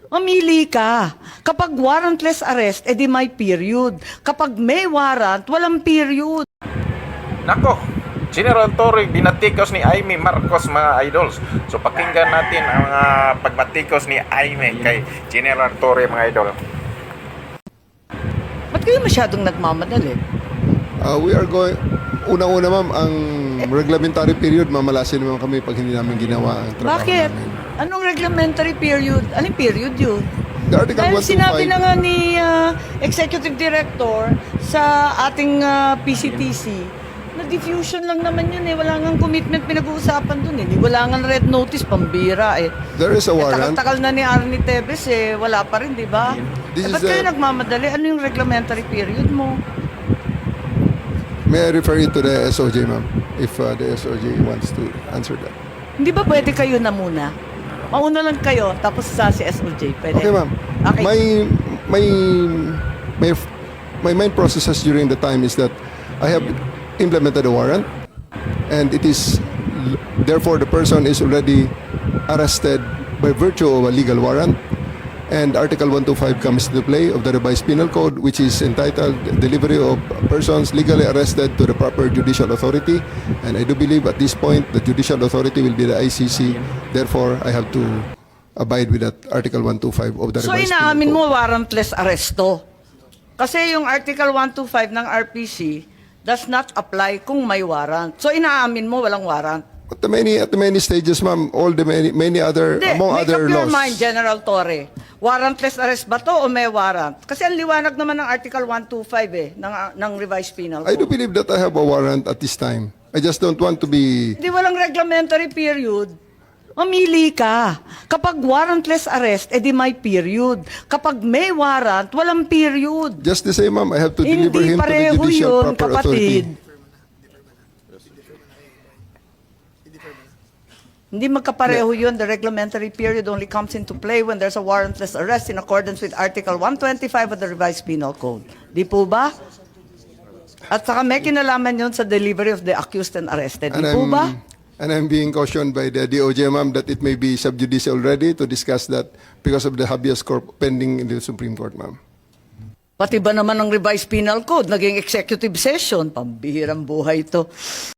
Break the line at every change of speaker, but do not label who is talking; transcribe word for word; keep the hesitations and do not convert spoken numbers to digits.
Mamili ka. Kapag warrantless arrest, edi may period. Kapag may warrant, walang period.
Nako, General Torre, binatikos ni Aimee Marcos, mga idols. So pakinggan natin ang mga pagbatikos ni Aimee kay General Torre, mga idol.
Ba't kayo masyadong nagmamadali?
Uh, we are going, unang-una ma'am, ang reglementary period, mamalasin naman kami pag hindi namin ginawa ang trabaho
Bakit?
namin.
Anong reglementary period? Anong period yun?
The Article
Dahil
one twenty-five,
sinabi na nga ni ah, Executive Director sa ating ah, P C T C na diffusion lang naman yun eh. Wala nga commitment pinag-uusapan dun eh. Di- Wala nga red notice, pambira eh.
there is a
Eh,
warrant.
takal-takal na ni Arnie Tevez eh. Wala pa rin, di ba?
This
Eh, ba't
is
kayo
the-
nagmamadali? Ano yung reglementary period mo?
May I refer you to the S O J, ma'am, if uh, the S O J wants to answer that.
Hindi ba pwede kayo na muna? Mauna lang kayo, tapos sa si S O J. Pwede?
Okay, ma'am.
Okay.
My, my, my, my main processes during the time is that I have implemented a warrant, and it is, therefore, the person is already arrested by virtue of a legal warrant. And Article one twenty-five comes into play of the revised penal code, which is entitled Delivery of Persons Legally Arrested to the Proper Judicial Authority. And I do believe at this point the judicial authority will be the I C C. Therefore, I have to abide with that Article one twenty-five of the
So
revised
inaamin
penal
mo
code.
warrantless arresto. Kasi yung Article one twenty-five ng R P C does not apply kung may warrant. So inaamin mo walang warrant.
At the many, at the many stages, ma'am, all the many, many other,
Hindi,
among
make
other
up your
laws.
mind, General Torre. Warrantless arrest ba to o may warrant? Kasi ang liwanag naman ng Article one twenty-five eh, ng, ng revised penal
I do
code.
believe that I have a warrant at this time. I just don't want to be...
Hindi walang reglementary period. Mamili ka. Kapag warrantless arrest, edi may period. Kapag may warrant, walang period.
Just the same, ma'am, I have to deliver
Hindi
him to the
pareho
judicial
yun,
proper
kapatid.
authority.
Hindi magkapareho yun. The reglementary period only comes into play when there's a warrantless arrest in accordance with Article one twenty-five of the revised penal code. Di po ba? At saka may kinalaman yun sa delivery of the accused and arrested. Di
And
po
I'm,
ba?
and I'm being cautioned by the D O J, ma'am, that it may be sub judice already to discuss that because of the habeas corpus pending in the Supreme Court, ma'am.
Pati ba naman ng revised penal code, naging executive session? Pambihirang buhay ito.